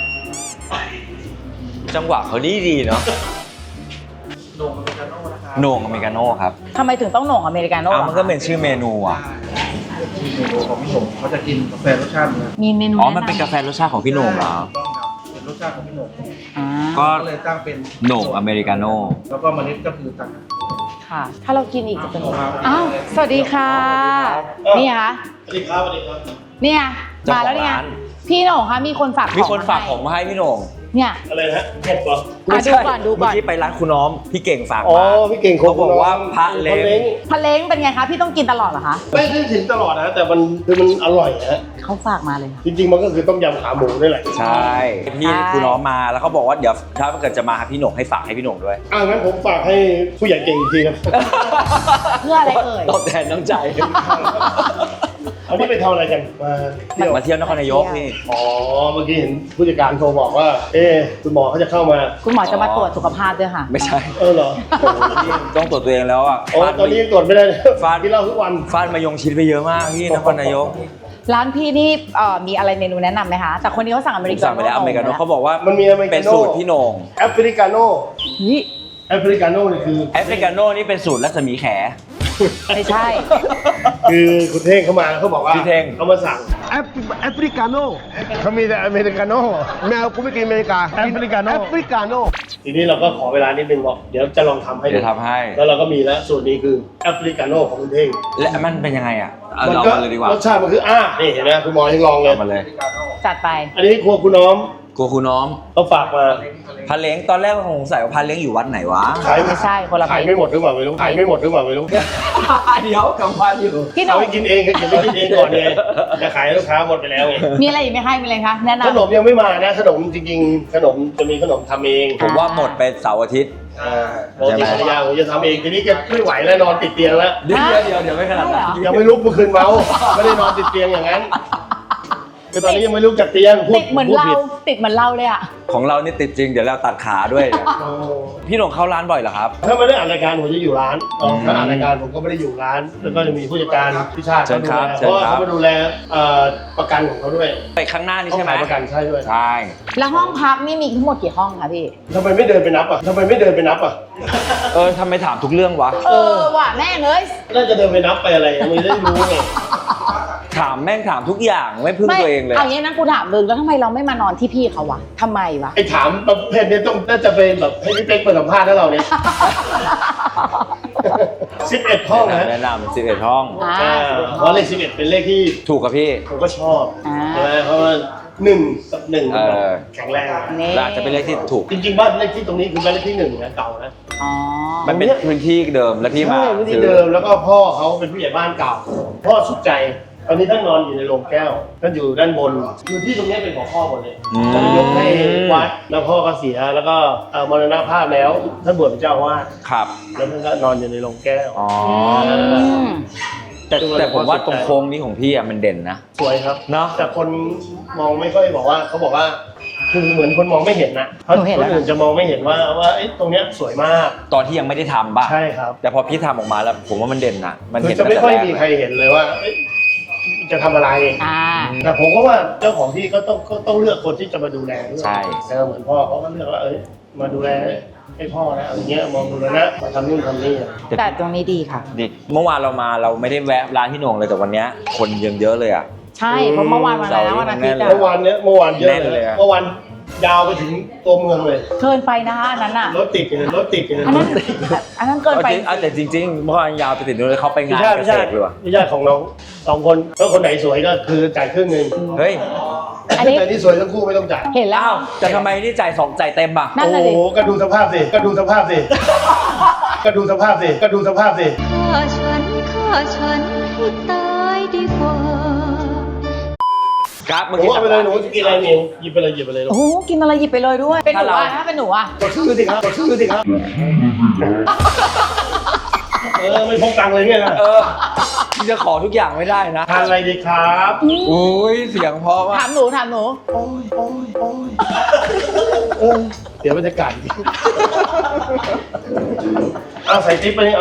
Speaker 1: จังหวะเขาดีดีเนาะ
Speaker 3: โหน่งอเมริกาโน่นะครับ
Speaker 1: โหน่งอเมริกาโน่ครับ
Speaker 2: ทำไมถึงต้องโหน่งอเมริกาโน่
Speaker 1: อ้าว
Speaker 2: อะ
Speaker 1: มันก็เป็นชื่อเมนูอ่ะ
Speaker 3: ที่เมนูของพี่หนุ่มเขาจะกินกาแฟรสชาติเนื้อ
Speaker 2: มีเมนู
Speaker 1: อ๋อ
Speaker 2: แะำ
Speaker 1: มันเป็นกาแฟรสชาติของพี่โหน่งเหรอ
Speaker 3: ต้องครับเป็นรสชาติของพี่หนุ่ม
Speaker 2: อ่า
Speaker 1: ก็
Speaker 3: ก็เลยตั้งเป็น
Speaker 1: โหน่งอเมริกาโน่
Speaker 3: แล้วก็เมล็ดก็คือต่างหาก
Speaker 2: ค่ะ ถ้าเรากินอีกจะเป็น
Speaker 3: ครับ
Speaker 2: อ้าวสวัสดีค่ะ นี่คะ
Speaker 3: สวัสดีครับสวัสดีครับ
Speaker 2: เนี่ยมาแล้วเนี่ยพี่โหน่งคะมีคนฝากของ
Speaker 1: มีคนฝาก
Speaker 2: ให้
Speaker 1: ของมาให้พี่โหน่ง
Speaker 2: เนี่ย
Speaker 3: อะไรนะเห็ดปะ
Speaker 2: อ่ะดูก่อนดูก่อน
Speaker 1: เมื่อกี้ไปร้านคุณน้อมพี่เก่งฝาก
Speaker 3: อ๋อ
Speaker 1: มา
Speaker 3: พี่เก่ง
Speaker 1: เขาบอกว่าพระเล้ง
Speaker 2: พะเล้งเป็นไงคะพี่ต้องกินตลอดเหรอคะ
Speaker 5: ไม่ได้ถึงตลอดนะแต่มันคือมันอร่อยฮะ
Speaker 2: เขาฝากมาเลย
Speaker 5: จริงๆมันก็คือต้มยำขาหมูนี่แหละ
Speaker 1: ใช่พี่คุณน้องมาแล้วเขาบอกว่าเดี๋ยวถ้าเกิดจะมาหาพี่โหน่งให้ฝากให้พี่โหน่งด้วย
Speaker 5: อ่างั้นผมฝากให้ผู้ใหญ่เก่งอีกทีครับ
Speaker 2: เพื่ออะไรเอ่ย
Speaker 1: ตอบแทนน้ำใจ
Speaker 5: อันนี้ไปทำอะไรกันมาเที่ยว
Speaker 1: มาเที่ยวนครนายกนี่
Speaker 5: อ๋อเมื่อกี้เห็นผู้จัดการโทรบอกว่า เอ๊ะคุณหมอเขาจะเข้ามา
Speaker 2: คุณหมอจะมาตรวจสุขภาพด้วยค่ะ
Speaker 1: ไม่ใช่
Speaker 5: เออเหรอ
Speaker 1: ต้องตรวจตัวเองแล้วอ่ะ
Speaker 5: โอ้
Speaker 1: ฟาด
Speaker 5: ตอนนี้ยังตรวจไม่ได้เลย
Speaker 1: ฟาด
Speaker 5: กินเหล้าทุกวัน
Speaker 1: ฟาดมายงชิดไปเยอะมากพี่นครนายก
Speaker 2: ร้านพี่นี่เอ่อมีอะไรเมนูแนะนำไหมคะแต่คนนี้เขาสั่งอเม
Speaker 1: ผ
Speaker 2: ริ
Speaker 1: ม
Speaker 2: กา
Speaker 1: สั่งไปแล้วอเมริกาโน่เขาบอกว่า
Speaker 5: มันมีอเมริกาโน่
Speaker 1: เป็นสูตรพี่โหน่ง
Speaker 5: แอฟริกาโน่
Speaker 2: นี่
Speaker 5: แอฟริกาโน่นี่คือ
Speaker 1: แอฟริกาโน่นี่เป็นสูตรรัศมีแข
Speaker 2: ไม่ใช่
Speaker 5: คือคุณเท่งเข้ามาแล้วเขาบอกว่า
Speaker 1: พี่เท่ง
Speaker 5: เขามาสั่งแอฟแอฟริกาโน่เขามีแต่อเมริกาโน่แมวกูไม่กินอเมริกาแอฟริกาโน่แอฟริกาโน่ทีนี้เราก็ขอเวลานิดนึงบอกเดี๋ยวจะลองทำให้
Speaker 1: เดี๋ยวทำให้
Speaker 5: แล้วเราก็มีแล้วสูตรนี้คือแอฟริกาโน่ของคุณเท่ง
Speaker 1: และมันเป็นยังไงอ่ะเอา
Speaker 5: มัน
Speaker 1: เรา
Speaker 5: ก็
Speaker 1: มาเลยดีกว่าร
Speaker 5: สชาติมันคืออ่านี่เห็นไหมคุณหมอยังลองเลย
Speaker 1: เอามาเลย
Speaker 2: จัดไป
Speaker 5: อันนี้ครัวคุณน้อม
Speaker 1: กลัวคุณน้อม
Speaker 5: เขาฝากมา
Speaker 1: พันเล้งตอนแรกผมสงสัยว่าพันเล้งอยู่วัดไหนวะ
Speaker 5: ขาย
Speaker 2: ไม่ใช่คนละ
Speaker 5: ขายไม่หมดหรือเปล่าไม่รู้ขายไม่หมดหรือเปล่าไม่รู้
Speaker 1: เดี๋ยวกำพันอยู่
Speaker 2: พี่หน
Speaker 5: เอา
Speaker 2: ง
Speaker 5: ไปกินเองก็เก็บไปกินเองก่อนเลยจะขายให้ลูกค้าหมดไปแล้วไง
Speaker 2: มีอะไรอีกไหมคะมีอะไรคะแนะ
Speaker 5: ขน
Speaker 2: นำ
Speaker 5: มยังไม่มานะขนมจริงๆ ขนมจะมีขนมทำเอง
Speaker 1: ผมว่าหมดไปเสาร์อาทิตย์
Speaker 5: อ่าปกติภรรยาผมจะทำเองทีนี้แกไม่ไหวแล้วนอนติดเตียงแล้ว
Speaker 1: เดี๋ยวเดี๋ยวเดี๋ยวไม่ขนาดนั้น
Speaker 5: ยังไม่ลุกเมื่อคืนเมาไม่ได้นอนติดเตียงอย่างนั้นคือตอนนี้ยังไม่ลุกจากเตียงพูด
Speaker 2: ติดเหมือน
Speaker 5: พูด
Speaker 2: เรา
Speaker 5: ผิด
Speaker 2: ติดเหมือนเราเลยอ่ะ
Speaker 1: ของเรานี่ติดจริงเดี๋ยวเราตัดขาด้วยเนี่ย
Speaker 5: โอ้
Speaker 1: พี่หนงเข้าร้านบ่อยเหรอครับ
Speaker 5: ถ้าไม่ได้อ่านรายการผมจะอยู่ร้าน
Speaker 1: อืม
Speaker 5: ถ้าอ่านรายการผมก็ไม่ได้อยู่ร้าน แล้วก็จะมีผู้จัดการพิชาติ
Speaker 1: เชิญครับ
Speaker 5: เขาดูแล
Speaker 1: เชิญครับ
Speaker 5: เพราะว่าเขามาดูแลเอ่อประกันของเขาด้วย
Speaker 1: ไปข้างหน้านี่
Speaker 5: เขา
Speaker 1: ใช่ไหม
Speaker 5: ขายประกันใช่ด้วย
Speaker 1: ใช่
Speaker 2: แล้วห้องพักนี่มีทั้งหมดกี่ห้องคะพี่
Speaker 5: ทำไมไม่เดินไปนับอ่ะทำไมไม่เดินไปนับอ่ะ
Speaker 1: เออทำไมถามทุกเรื่องวะ
Speaker 2: เออว่ะแม่งเอ้ย
Speaker 5: น่าจะเดินไปนับไปอะไรยังไม่ได้รู้ไง
Speaker 1: ถามแม่งถามทุกอย่างไม่พึ่ง
Speaker 2: ไม่
Speaker 1: ตัวเองเลย
Speaker 2: เอางี้นะกูถามเลยแล้วทำไมเราไม่มานอนที่พี่เขาวะทำไมวะ
Speaker 5: ไอ้ถามประเภทนี้ต้องน่าจะเป็นแบบให้พี่เป๊กเปิดสัมภาษณ์แล้วเราเนี่ย สิบเอ็ดห้องนะ
Speaker 1: แนะนำสิบเอ็ดห้อง
Speaker 2: อ่า
Speaker 5: อ่าเพราะเลขสิบเอ็ดเป็นเลขที่
Speaker 1: ถูกกับพี่
Speaker 5: ผมก็ชอบ
Speaker 2: อ่า
Speaker 5: ใช่ไหมเพราะว่าหนึ่งกับหนึ่ง
Speaker 1: เออ
Speaker 5: แข็งแรง
Speaker 2: นี่
Speaker 1: และอาจจะเป็นเลขที่ถูก
Speaker 5: จริงๆบ้านเลขที่ตรงนี้คือบ้านเลขที่หนึ่งนะเก่านะ
Speaker 2: อ๋อ
Speaker 1: มันเป็นพื้นที่เดิมแล้วที่มา
Speaker 5: ใช่พื้นที่เดิมแล้วก็พ่อเขาเป็นผู้ใหญ่บ้านเก่า พ่อสุดใจ ตอนนี้ท่านนอนอยู่ในโรงแก้วท่านอยู่ด้านบนคือที่ตรงนี้เป็นของพ่อหมดเลย
Speaker 1: อืม
Speaker 5: ท่านยกให้วัดแล้วพ่อก็เสียแล้วก็เอ่อมรณภาพแล้วท่านบวชเป็นเจ้าอาวาส
Speaker 1: ครับ
Speaker 5: แล้วท่านก็นอนอยู่ในโรงแก้ว
Speaker 1: อ๋อ
Speaker 2: อืม
Speaker 1: แต่แต่ผมว่าตรงโค้งนี้ของพี่อ่ะมันเด่นนะ
Speaker 5: สวยครับ
Speaker 1: เนอะ
Speaker 5: แต่คนมองไม่ค่อยบอกว่าเขาบอกว่าคือเหมือนคนมองไม่เห็นนะเขา
Speaker 2: หนูเห็น
Speaker 5: ค
Speaker 2: แล้
Speaker 5: น
Speaker 2: ว
Speaker 5: อื่นจะมองไม่เห็นว่าว่าไอ้ตรงเนี้ยสวยมาก
Speaker 1: ตอนที่ยังไม่ได้ทำป่ะ
Speaker 5: ใช่ครับ
Speaker 1: แต่พอพี่ทำออกมาแล้ว ผมว่ามันเด่นนะมัน
Speaker 5: คือ
Speaker 1: เห็น
Speaker 5: จะไม่ค่อย
Speaker 1: ตั้งแต่
Speaker 5: มี
Speaker 1: แรก
Speaker 5: ใครเห็นเลยว่าเอ๊ะจะทำอะไร
Speaker 2: อ่า
Speaker 5: แต่ผมก็ว่าเจ้าของที่ก็ต้องก็ต้องเลือกคนที่จะมาดูแลด้วย
Speaker 1: ใช่
Speaker 5: เออเหมือนพ่อเขาก็เลือกว่าเอ้ยมาดูแลให้พ่อนะอะไรเงี้ยมองดูแลนะมาทำนู่นทำนี่อะ
Speaker 2: แต่ตรงนี้ดีค่ะ
Speaker 1: ดิเมื่อวานเรามาเราไม่ได้แวะร้านพี่โหน่งเลยแต่วันเนี้ยคนยังเยอะเลยอ่ะ
Speaker 2: ใช่เพราะเมื่อวานวันอะไรนะวันอาทิตย์อะ
Speaker 5: เมื่อวานเนี้ยเมื่อวานเยอะ
Speaker 1: แน่น
Speaker 5: เล
Speaker 1: เลย
Speaker 5: ย
Speaker 1: อะ
Speaker 5: เมื่อวานยาวไปถึงตัวเมืองเลย
Speaker 2: เกินไปนะคะอันนั้นอ่ะ
Speaker 5: รถติดเลยรถติดเลย
Speaker 2: อันนั้นอันนั้นเกินไป
Speaker 1: เอาจริงเอาแต่จริงๆเมื่อวานยาวไปติดนู้นเลยเขาไป
Speaker 5: ไม่
Speaker 1: งาน
Speaker 5: ใช่
Speaker 1: เก
Speaker 5: ไม่
Speaker 1: ษ
Speaker 5: ใช่
Speaker 1: ตรเลยว่ะ
Speaker 5: ไม่ใช่ของน้องสองคนแล้วคนไหนสวยก็คือจ่ายครึ่งหนึ่ง
Speaker 1: เฮ้ย
Speaker 2: อันนี้
Speaker 5: แต่ที่สวยทั้งคู่ไม่ต้องจ่าย
Speaker 2: เห็นแล้ว
Speaker 1: อ้าวแต่ทำไมนี่จ่ายสองจ่ายเต็มอ่ะ
Speaker 2: นั่น
Speaker 5: โอ้
Speaker 2: น่ะ
Speaker 5: โห
Speaker 2: ดิ
Speaker 5: ก็ดูสภาพสิก็ดูสภาพสิก็ดูสภาพสิก็ดูสภาพสิ
Speaker 6: ฆ่าฉันฆ่าฉันให้ตายดีกว่า
Speaker 1: ครับ
Speaker 5: ห
Speaker 1: เมื่อ
Speaker 5: นู
Speaker 1: กี้
Speaker 5: เอาไปเลยหนูจะกินอะไรมิวหยิบไปเลยหยิบไปเลยลู
Speaker 2: โอ้
Speaker 5: ก
Speaker 2: โหกินอะไรหยิบไปเลยด้วย เป็นหนู
Speaker 1: ถ้าเรา
Speaker 2: อ่ะถ้าเป็นหนูอ่ะ
Speaker 5: กดชื่อสิครับกดชื่อสิครับเออไม่พกตังค์เลยเนี่ยนะ
Speaker 1: เออที่จะขอทุกอย่างไม่ได้นะ
Speaker 5: ทานอะไรดีครับ
Speaker 1: อุ้ยเสียงเพราะมา
Speaker 2: ถาก มหนูถามหนู
Speaker 5: โอ้ยโอ้ยโอ้ยเออเดี๋ยวบรรยากาศดีเอาใส่ติ๊บไปนี่เอา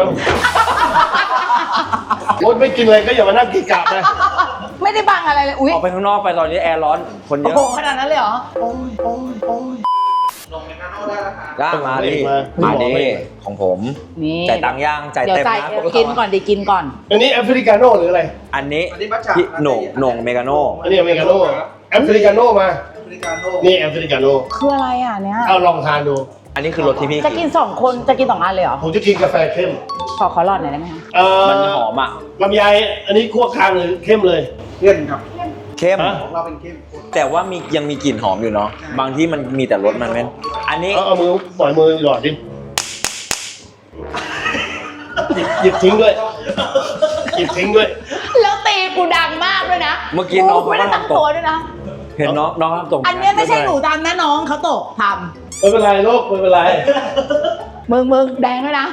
Speaker 5: โอ๊ยไม่กินเลยก็อย่ามานั่งกินกลับนะ
Speaker 2: ไม่ได้บังอะไรเลยอุ้ย
Speaker 1: ออกไปข้างนอกไปตอนนี้แอร์ร้อนคนเย
Speaker 2: โอ้
Speaker 1: อะ
Speaker 2: โหขนาดนั้นเลยเหรอ
Speaker 5: โอ้ยโอ้ยโอ้ย
Speaker 1: ได้มาดิ
Speaker 5: มา
Speaker 1: มาดิของผม
Speaker 2: นี่
Speaker 1: จ่ายตังค์ย่างจ่าย
Speaker 2: เดี๋ยว
Speaker 1: เต็ม
Speaker 2: จ่าย
Speaker 1: นะ
Speaker 2: เดี๋ยวกินก่อนดิกินก่อน
Speaker 5: อันนี้แอฟริกาโน่หรืออะไร
Speaker 1: อันนี้พี่โหน่งโหน่งเมกาโน่
Speaker 5: อันนี้อเมริกาโน่แอฟริกาโน่มานี่แอฟริกาโน่
Speaker 2: คืออะไรอ่ะเนี่ย
Speaker 5: เอาลองทานดู
Speaker 1: อันนี้คือรสที่พี่
Speaker 2: จะกินสองคนจะกินสองอันเลยเหรอ
Speaker 5: ผมจะกินกาแฟเข้ม
Speaker 2: ขอขอหลอดหน่อยได้ไหมคะ
Speaker 5: เอ่อ
Speaker 1: มันหอมอ่ะ
Speaker 5: ลำไยอันนี้คั่วกลางหรือเข้มเลย
Speaker 3: เข้มครับ
Speaker 1: เข้ม
Speaker 5: ฮะ
Speaker 3: ของเราเป็นเข้ม
Speaker 1: แต่ว่ามียังมีกลิ่นหอมอยู่เนาะบางที่มันมีแต่รสมันไม่อันนี้
Speaker 5: เอาเอามือปล่อยมือหยอดดิหยิบหยิบทิ้งด้วยหยิบทิ้งด้วย
Speaker 2: แล้วตีกูดังมากด้วยนะ
Speaker 1: เมื่อกี้น้อง
Speaker 2: กูไม่ได้
Speaker 1: เขา
Speaker 2: ตั้ง
Speaker 1: ทำตก
Speaker 2: ตัวด้วยนะ
Speaker 1: เห็นน้องน้องทำตก
Speaker 2: อันเนี้ยไม่ใช่หนูทำนะน้องเขาตกท
Speaker 5: ไม่เป็นไรโลกไม่เป็นไร
Speaker 2: ำมึงมึงแดงด้วยนะ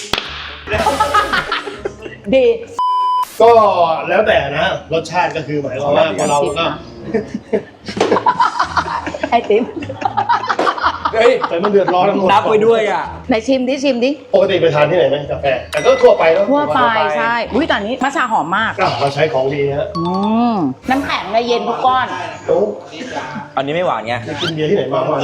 Speaker 2: ดี
Speaker 5: ก็แล้วแต่นะรสชาติก็คือหมายความว่าพอเราก็
Speaker 2: ไอติม
Speaker 1: เฮ้ย
Speaker 5: แต่มันเดือดร้อนทั้งหมด
Speaker 1: นับไปด้วยอ่ะ
Speaker 2: ไหนชิมดิชิมดิ
Speaker 5: ปกติไปทานที่ไหนไหมกาแฟแต่ก็ทั่วไปแล้ว
Speaker 2: ทั่วไป
Speaker 1: ทั่วไป
Speaker 2: ใช่อุ้ยแต่อันนี้มัทฉะหอมมาก
Speaker 5: อ่ะเราใช้ของดีฮะ
Speaker 2: อืมน้ำแข็งเลยเย็นทุกก้อน
Speaker 5: โอ้
Speaker 1: อันนี้ไม่หวานไง
Speaker 5: ไปกินเบียร์ที่ไหนมาบ้าง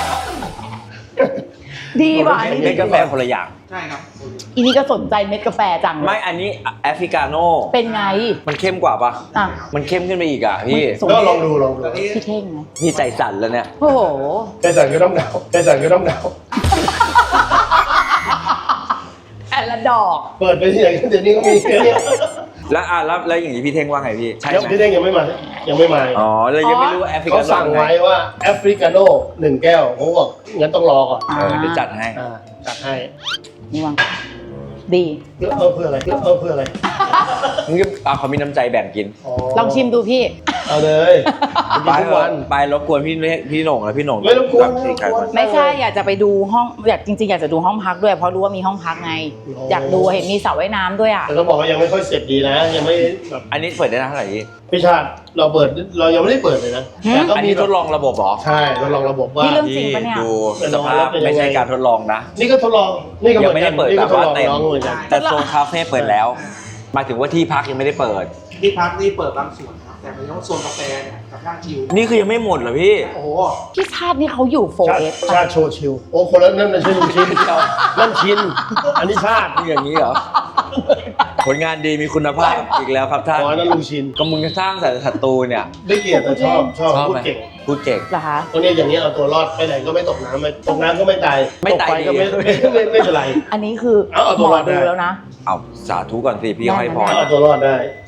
Speaker 2: ดีว่ะอัน
Speaker 1: เม็
Speaker 2: นี้
Speaker 1: ดกาแฟคนละอย่าง
Speaker 3: ใช่ครับ
Speaker 2: อีนี่ก็สนใจเม็ดกาแฟจัง
Speaker 1: ไม่อันนี้แอฟริกาโน่
Speaker 2: เป็นไง
Speaker 1: มันเข้มกว่าปะ
Speaker 2: อ่ะ
Speaker 1: มันเข้มขึ้นไปอีกอ่ะพี่
Speaker 2: สม
Speaker 5: ก็ลองดูลองดู
Speaker 2: พี่เท่งไหม
Speaker 1: พี่ใจสั่นแล้วเนี่ย
Speaker 2: โอ้โห
Speaker 5: ใจสั่นก็ต้องหนาวใจสั่นก็ต้องหนาว
Speaker 2: แต่ละดอก
Speaker 5: เปิดไปที่ไหนก็เดี๋ยวนี้ก็มีแค่เนี้ย
Speaker 1: แล้วอ่ะแล้วแล้วอย่างนี้พี่เท่งว่าไงพี่ ใช่
Speaker 5: ยัง
Speaker 1: ไหม
Speaker 5: พี่เด้งยังไม่มายังไม่มา
Speaker 1: อ๋อเลยยังไม่รู้ว่าแอฟริกา
Speaker 5: เขา
Speaker 1: โน่
Speaker 5: สั่งไว้ว่าแอฟริกาโน่หนึ่งแก้วผมบอกงั้นต้องรอก่อน
Speaker 1: เออเดี๋ยวจัดให้
Speaker 5: อ่าจัดให้
Speaker 2: นี่วังดี
Speaker 5: เพื่อเพิ่มเพื่ออะไรเพื่อเพิ่มเพื่ออะไร
Speaker 1: มึงก็อ่ะเขามีน้ำใจแบ่งกิน
Speaker 2: ลองชิมดูพี่
Speaker 5: เอาเลยกิน
Speaker 1: ไป
Speaker 5: ทุกวัน
Speaker 1: ไปรบกวนพี่พี่หน่งแล้วพี่หน่ง
Speaker 5: ไม่รบกวน
Speaker 1: สี่ใคร
Speaker 5: ไม่รบกวน
Speaker 1: คน
Speaker 2: ไม่ใช่อยากจะไปดูห้องอยากจริงๆอยากจะดูห้องพักด้วยเพราะรู้ว่ามีห้องพักไง
Speaker 5: โอ้
Speaker 2: อยากดูเห็นมีสระว่ายน้ำด้วยอ่ะ
Speaker 5: แต่ต้องบอกว่ายังไม่ค่อยเสร็จดีนะ ยังไม่แบบ
Speaker 1: อันนี้เปิดได้นานเท่าไหร่พี่
Speaker 5: พี่ชาติเราเปิดเรายังไม่ได้เปิดเลยนะ
Speaker 2: หืม
Speaker 5: แต่ก็
Speaker 1: อัน
Speaker 5: มี
Speaker 1: นี้ทดลองระบบเหรอ
Speaker 5: ใช่ทดลองระบบว่า
Speaker 2: นี่เรื่อง จริงปะเนี่ย
Speaker 1: ดูสภาพไม่ใช่การทดลองนะ
Speaker 5: นี่ก็ทดลองนี่ก็เห
Speaker 1: ยั
Speaker 5: มื
Speaker 1: ง
Speaker 5: อน
Speaker 1: ไม่
Speaker 5: กั
Speaker 1: ได้
Speaker 5: น
Speaker 1: เปิด
Speaker 5: นี่
Speaker 1: แบ
Speaker 5: ก็
Speaker 1: บ
Speaker 5: ทด
Speaker 1: ว่า
Speaker 5: ลอง
Speaker 1: เต็ม
Speaker 5: น้องเหมือนกัน
Speaker 1: แต่โซนคาเฟ่เปิดแล้วหมายถึงว่าที่พักยังไม่ได้เปิด
Speaker 3: ที่พักนี่เปิดบางส่วนครับแต่ในห้องโซนกาแฟเนี่ยกับนั่งชิล
Speaker 1: นี่คือยังไม่หมดเหรอพี่
Speaker 3: โอ้โห
Speaker 2: พี่ชาตินี่เขาอยู่โฟ
Speaker 5: ชาติ
Speaker 2: เอส
Speaker 5: ชาติโชว์ชิวโอ้คนละนั่นไม่ใช่ลุงชินนั่นชินอันนี้ชาติ
Speaker 1: นี่อย่างนี้เหรอ ผลงานดีมีคุณภาพอีกแล้วครับท่าน
Speaker 5: อ๋อนั่นลุงชิน
Speaker 1: ก็มึงจะสร้างสรรค์ศัตรูเนี่ย
Speaker 5: ได้เกียรติแต่ชอบชอบ
Speaker 1: ชอบ
Speaker 5: พูด
Speaker 1: ไหม
Speaker 5: เก่ง
Speaker 1: พูดเก่ง
Speaker 2: เหรอคะ
Speaker 5: คนนี้อย่างนี้เอาตัวรอดไปไหนก็ไม่ตกน้ำไม่ตกน้ำก็ไม่ตาย
Speaker 1: ไม่
Speaker 5: ตก
Speaker 1: ตาย
Speaker 5: ไฟก็ไม่
Speaker 1: ดี
Speaker 5: ไม่ไม่ไม่เป็นไร
Speaker 2: อันนี้คือ
Speaker 5: เอาเอา
Speaker 2: ห
Speaker 5: ตัว
Speaker 2: ม
Speaker 5: ร
Speaker 2: อ
Speaker 5: อดได้
Speaker 2: ดูแล้วนะ
Speaker 1: เอาสาธุก่อนสิพี่ให้พร
Speaker 5: เอาตัวรอดได้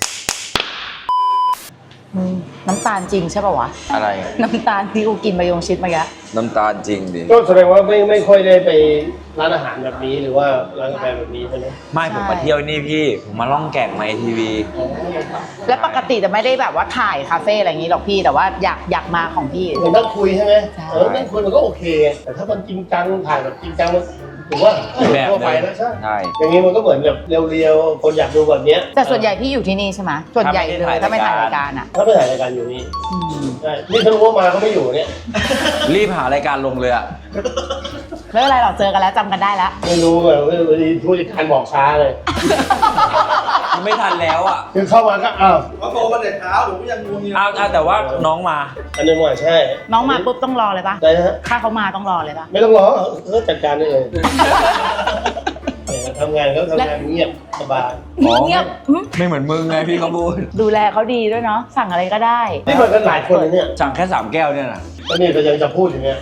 Speaker 2: อืมน้ำตาลจริงใช่ป่าวะ
Speaker 1: อะไร
Speaker 2: น้ำตาลที่กูกินมายงชิดเมื่อกี้
Speaker 1: น้ำตาลจริงดิ
Speaker 5: ก็แสดงว่าไม่ไม่ค่อยได้ไปร้านอาหารแบบนี้หรือว่าร้านกาแฟแบบนี้ใช่ไหม
Speaker 1: ไม่ผมมาเที่ยวนี่พี่ ผมมาล่องแก่งมาทีวี
Speaker 2: และปกติจะไม่ได้แบบว่าถ่ายคาเฟ่อะไรอย่างนี้หรอกพี่แต่ว่าอยากอยากมาของพี่
Speaker 5: เหมือนนั่งคุยใช่ไหม
Speaker 2: ใช่
Speaker 5: เออนั่งคุยมันก็โอเค แต่ถ้ามันจริงจังถ่ายแบบจริงจังมันถือว่า
Speaker 1: แบบ
Speaker 5: ทั่วไป
Speaker 1: เลย
Speaker 5: แล้วใช่
Speaker 1: ใช่
Speaker 5: อย่างนี้มันก็เหมือนแบบเรียวๆคนอยากดูแบบเนี้ย
Speaker 2: แต่ส่วนใหญ่พี่อยู่ที่นี่ใช่ไหมส่วนใหญ่เลยถ้าไม่ถ่ายรายการอ่ะ
Speaker 5: ถ้าไม่ถ่ายรายการอยู่นี่
Speaker 2: อืม
Speaker 5: ใช่นี่ถ้ารู้ว่ามาก็ไม่อยู่เนี่ย
Speaker 1: รีบหารายการลงเลยอะ
Speaker 2: ไม่เป็นไรหรอกเจอกันแล้วจำกันได้แล้ว
Speaker 5: ไม่รู้แบบว่าผู้จัดการบอกช้าเลย
Speaker 1: ไม่ทันแล้วอะ
Speaker 5: คือเข้ามาก็อ้าว
Speaker 3: เขาโทรมาแต่เช้าผมก็ยังงงอยู่
Speaker 1: อ้าวอ้าวแต่ว่าน้องมา
Speaker 5: อันนี้ว่าใช่
Speaker 2: น้องมาปุ๊บต้องรอเลยปะ
Speaker 5: ได้นะฮะ
Speaker 2: ถ้าเขามาต้องรอเลยปะ
Speaker 5: ไม่ต้องรอเออจัดการได้เลยเนี่ยทำงานก็ทำงานเงียบสบาย
Speaker 1: อ๋อ
Speaker 2: เงียบอืม
Speaker 1: ไม่เหมือนมึงไงพี่เขาพูด
Speaker 2: ดูแลเขาดีด้วยเนาะสั่งอะไรก็ได้
Speaker 5: นี่มันกันหลายคนเลยเนี่ย
Speaker 1: สั่งแค่สามแก้วเนี่ยนะ
Speaker 5: แล้วนี่เรายังจะพูดอย่างเงี้ย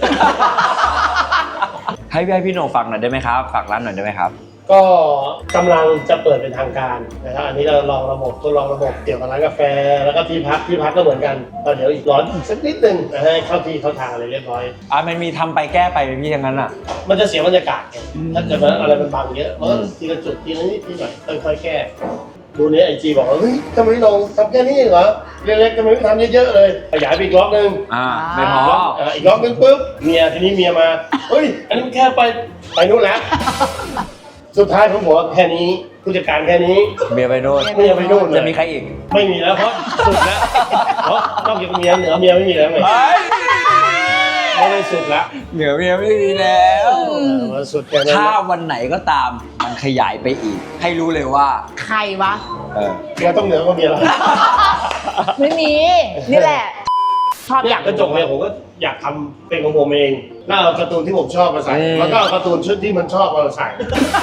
Speaker 1: ให้พี่ให้พี่โหน่งฟังหน่อยได้ไหมครับ ฝากร้านหน่อยได้ไหมครับ
Speaker 5: ก็กำลังจะเปิดเป็นทางการนะครับอันนี้เราลองระบบทดลองระบบเกี่ยวกับร้านกาแฟ แล้วก็ที่พักที่พักก็เหมือนกันก็เดี๋ยวอีกร้อนอีกสักนิดนึงนะให้เข้าที่เข้าทางอะไรเรียบร้อย
Speaker 1: อ่ะมันมีทำไปแก้ไปไหมพี่อย่างนั้นอ่ะ
Speaker 5: มันจะเสียบรรยากาศไงถ้าเกิดว่าอะไรมันบังเยอะมันก็ทีละจุดทีละนิดทีหน่อยค่อยๆแก้ดูนี้ไอจีบอกว่าเฮ้ยทำไมลงทำแค่นี้เหรอเล็กๆทำไมไม่ทำเยอะๆเลยขยายไปอีกล็อกนึง
Speaker 1: อ่า ไม่พอ
Speaker 5: เอ่ออีกล็อกนึงปุ๊บเมียทีนี้เมียมาเฮ้ยอันนี้มันแค่ไปไปนู่นแล้ว สุดท้ายผมบอกว่าแค่นี้ผู้จัดการแค่นี้
Speaker 1: เมียไปโน่น
Speaker 5: เมียไปนู่นเลย
Speaker 1: จะมีใครอีก
Speaker 5: ไม่มีแล้วเพราะสุดแล้วเพราะนอกจากเมียเหนือเมียไม่มีแล้วไงไม่ได้สุดแล้ว
Speaker 1: เหนือเมียไม่มีแล้ว
Speaker 5: เออสุดแค่นั้น
Speaker 1: ถ้าวันไหนก็ตามมันขยายไปอีก ให้รู้เลยว่า
Speaker 2: ใครวะ
Speaker 1: เออ
Speaker 5: เมียต้องเหนือกว่าเมียแล้ว
Speaker 2: ไม่มี นี่แหละ ชอบอยาก
Speaker 5: กระจกเนี่ยผมก็อยากทำเป็นของผมเองแล้วเอาการ์ตูนที่ผมชอบมาใส่แล้วก็เอาการ์ตูนชุดที่มันชอบมาใส่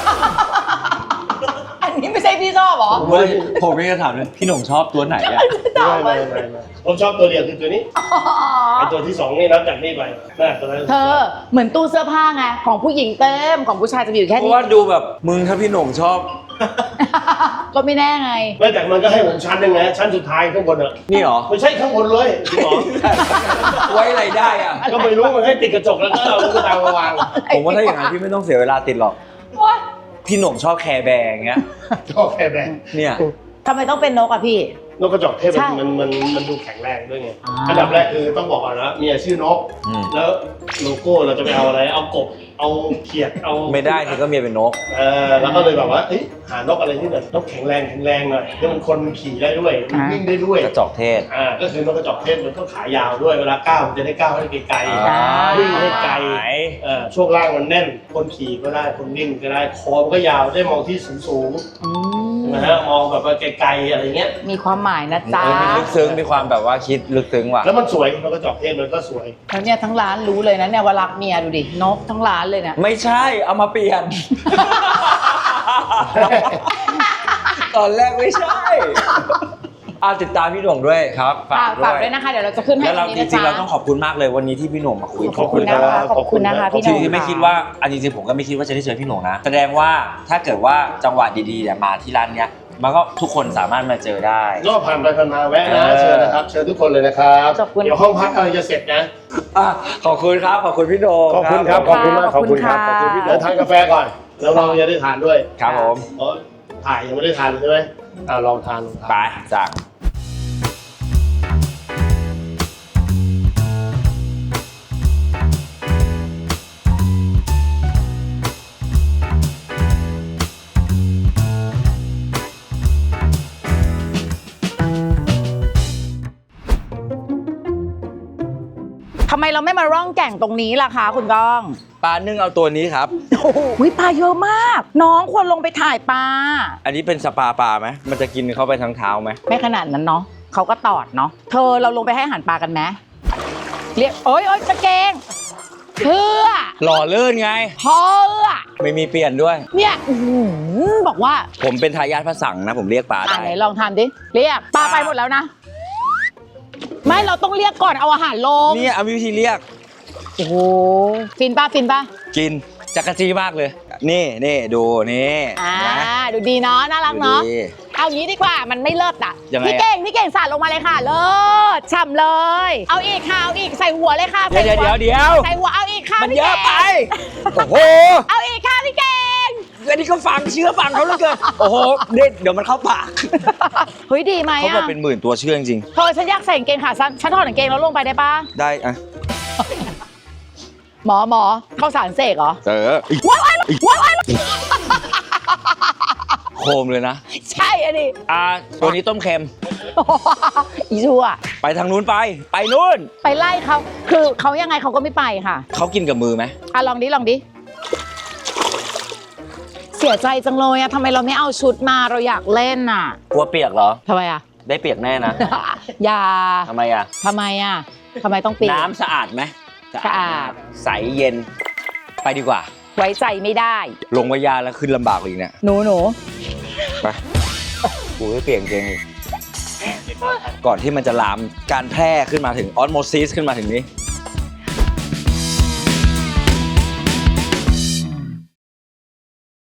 Speaker 2: อันนี้ไม่ใช่พี่ชอบเหรอ
Speaker 1: ผมเลยผมไม่ได้ถามเลยพี่หน่งชอบตัวไหนอ่ะ
Speaker 5: ไม่ไม่ไม่ไม่ผมชอบตัวเดียวคือตัวนี้ไอตัวที่สองนี่นับจากนี่ไปน่าตัวนั้น
Speaker 2: เธอเหมือนตู้เสื้อผ้าไงของผู้หญิงเต็มของผู้ชายจะมีอยู่แค่
Speaker 1: เพ
Speaker 2: นี้
Speaker 1: ราะว่าดูแบบมึงถ้าพี่หน่งชอบ
Speaker 2: ก็ไม่แน่ไง
Speaker 5: ไม่แต่มันก็ให้ผมชั้นหนึงนะชั้นสุดท้ายข้างบนอ่ะ
Speaker 1: นี่เหรอ
Speaker 5: ไม่ใช่ข้างบนเลยจริงเหรอ
Speaker 1: ไว้อะไรได้อ่ะ
Speaker 5: ก็ไม่รู้มันให้ติดกระจกแล้วก็เอาลูกตามาวาง
Speaker 1: ผมว่าถ้าอย่างนั้นพี่ไม่ต้องเสียเวลาติดหรอก
Speaker 2: โอ๊ย
Speaker 1: พี่หน่งชอบแคร์แบร์อย่างเงี้ย
Speaker 5: ชอบแค่แบง
Speaker 1: เนี่ย
Speaker 2: ทำไมต้องเป็นนกอะพี่
Speaker 5: นกกระจอกเทศ
Speaker 2: ใช่
Speaker 5: มันมันมันมันดูแข็งแรงด้วยไง
Speaker 2: อ่า
Speaker 5: อันดับแรกคือต้องบอกก่อนนะมีชื่อนก
Speaker 1: อืม
Speaker 5: แล้วโลโก้เราจะไปเอาอะไรเอากบเอาเขียดเอา
Speaker 1: ไม่ได้ที่ก็เมียเป็นนก
Speaker 5: เออแล้วก็เลยแบบว่าเอ้ยหานกอะไรที่แบบนกแข็งแรงแข็งแรงหน่อยที่มันคนขี่ได้ด้วยมันวิ่งได้ด้วย
Speaker 1: กระจอกเทศ
Speaker 5: อ่าก็คือนกกระจอกเทศมันก็ขายาวด้วยเวลาก้าวมันจะได้ก้าวให้ไกล
Speaker 1: อ่า
Speaker 5: ๆวิ่งให้ไกลเอ่อช่วงล่างมันแน่นคนขี่ก็ได้คนวิ่งก็ได้คอมันก็ยาวได้มองที่สูง
Speaker 2: อื
Speaker 5: ๆ
Speaker 2: ม
Speaker 5: นะฮะมองแบบว่าไกลๆอะไรเงี้ย
Speaker 2: มีความหมายนะจ๊ะ
Speaker 1: เออมีลึกซึ้งมีความแบบว่าคิดลึกซึ้งว่ะ
Speaker 5: แล้วมันสวยนกกระจอกเทศมันก็สวย
Speaker 2: แล้วเนี่ยทั้งร้านรู้เลยนะเนี่ยว่ารักเมียดูดินกทั้งร้านเลยเนี่ย
Speaker 1: ไม่ใช่เอามาเปลี่ยน ตอนแรกไม่ใช่อาติดตามพี่หน่งด้วยครับ
Speaker 2: ฝากฝากด้วยนะคะ เดี๋ยวเราจะขึ้นให้
Speaker 1: แล้วเรา
Speaker 2: ตง
Speaker 1: จ
Speaker 2: นี้นะ
Speaker 1: ริงๆ
Speaker 2: จ๊ะ
Speaker 1: เราต้องขอบคุณมากเลยวันนี้ที่พี่หน่งมาคุย
Speaker 2: ขอบคุณนะคะ ขอบคุณนะคะพี่ห
Speaker 1: ที่
Speaker 2: นุ่ม
Speaker 1: ที่ไม่คิดว่าอันจริงๆผมก็ไม่คิดว่าจะได้เจอพี่หน่งนะ แสดงว่าถ้าเกิดว่าจังหวะดีๆเนี่ยมาที่ร้านเนี้ยมันก็ทุกคนสามารถมาเจอได้
Speaker 5: ก็ผ่านไปผ่านมาแวะนะ
Speaker 1: เออ
Speaker 5: เชิญนะครับเชิญทุกคนเลยนะครับ
Speaker 2: ขอบคุณ
Speaker 5: เดี๋ยวห้องพักกำลังจะเสร็จนะ
Speaker 1: อ่ะขอบคุณครับขอบคุณพี่โหน่ง
Speaker 5: ขอบคุณครับขอบคุณมากขอบคุณครับ
Speaker 2: ขอบคุณค่ะ
Speaker 5: เดี๋ยวทานกาแฟก่อนแล้วเราจะได้ทานด้วย
Speaker 1: ครับผม
Speaker 5: เพราะถ่ายยังไม่ได้ทานเลยใช่ไหมอ่าลองทานลองทาน
Speaker 1: ไปสั่ง
Speaker 2: ทำไมเราไม่มาร่องแก่งตรงนี้ล่ะคะคุณก้อง
Speaker 1: ปลานึ่งเอาตัวนี้ครับ
Speaker 2: โอ้โหปลาเยอะมาก น้องควรลงไปถ่ายปลา
Speaker 1: อันนี้เป็นสปาปลาไหมมันจะกินเข้าไปทั้งเท้าไหม
Speaker 2: ไม่ขนาดนั้นเนาะเขาก็ตอดเนาะเธอเราลงไปให้อาหารปลากันไหมเรียกโอ๊ยโอ๊ยกระเกงเพื่อ
Speaker 1: หล่อเลื่นไง
Speaker 2: เพื่อ
Speaker 1: ไม่มีเปลี่ยนด้วย
Speaker 2: เนี่ยอื้อหือบอกว่า
Speaker 1: ผมเป็นทายาทพระสังนะ ผมเรียกปลา
Speaker 2: อ่า
Speaker 1: ได้
Speaker 2: ไหนลองทำดิเรียกปลาไปหมดแล้วนะ ไม่เราต้องเรียกก่อนเอาอาหารลง
Speaker 1: เนี่ยเอาวิธีเรียก
Speaker 2: โอ้โหฟินป้าฟินป้า
Speaker 1: กินจักรจีมากเลย นี่นี่ดูนี่
Speaker 2: อ่า
Speaker 1: นะ
Speaker 2: ดูดีเนาะน่ารักเนาะ
Speaker 1: ดูดี
Speaker 2: เอางี้ดีกว่ามันไม่เลิศอ่ะ
Speaker 1: ยังไงอะ
Speaker 2: พี่เก่งพี่เก่งสาดลงมาเลยค่ะเลิศฉ่ำเลย เอาอีกค่ะเอาอีกใส่หัวเลยค่ะ
Speaker 1: เดี๋ยว
Speaker 2: ใส่
Speaker 1: เดี๋ยว
Speaker 2: หั
Speaker 1: เดี๋ยวเดี๋ยว
Speaker 2: ใส่หัวเอาอีกค่ะ
Speaker 1: มัน
Speaker 2: พี่
Speaker 1: เยอะไป
Speaker 2: ก่ง
Speaker 1: โอ้โห
Speaker 2: เอาอีกค่ะพี่เก่ง
Speaker 1: อันนี้ก็ฟังเชื่อฟังเขาเหลือเกินโอ้โหเด็ดเดี๋ยวมันเข้าปาก
Speaker 2: เฮ้ยดีไหม
Speaker 1: เขาบอก
Speaker 2: อ่ะ
Speaker 1: เป็นหมื่นตัวเชื่อจริง
Speaker 2: เธอฉันอยากใส่กางเกงขาสั้นฉันถอดกางเกงแล้วลงไปได้ปะ
Speaker 1: ๆได้อะ
Speaker 2: หมอหมอเข้าสารเสกเหรอ
Speaker 1: เออ
Speaker 2: ว้ายว้ายว้ายว้าย
Speaker 1: โคมเลยนะ
Speaker 2: ใช่อันนี้
Speaker 1: อ่าตัวนี้ต้มเค็ม
Speaker 2: อีชัว
Speaker 1: ไปทางนู้นไป ไปนู้น
Speaker 2: ไปไล่เขาคือเขายังไงเขาก็ไม่ไปค่ะ
Speaker 1: เขากินกับมือไหม
Speaker 2: อ่ะลองดิลองดิเสียใจจังเลยอะทำไมเราไม่เอาชุดมาเราอยากเล่นอะ
Speaker 1: กลัวเปียกเหรอ
Speaker 2: ทำไมอะ
Speaker 1: ได้เปียกแน่นะ
Speaker 2: อย่า
Speaker 1: ทำไมอ่ะ
Speaker 2: ทำไมอะทำไมต้องปีก
Speaker 1: น้ำสะอาดไหม
Speaker 2: สะอาด
Speaker 1: ใสเย็น ไปดีกว่า
Speaker 2: ไว้ใจไม่ได้
Speaker 1: ลงวายาแล้วขึ้นลำบากกว่าอีกเนี่ย
Speaker 2: หนูหนู
Speaker 1: ไปกูไม่เปลี่ยนเกงอีกก่อนที่มันจะลามการแพร่ขึ้นมาถึงออสโมซิสขึ้นมาถึงนี้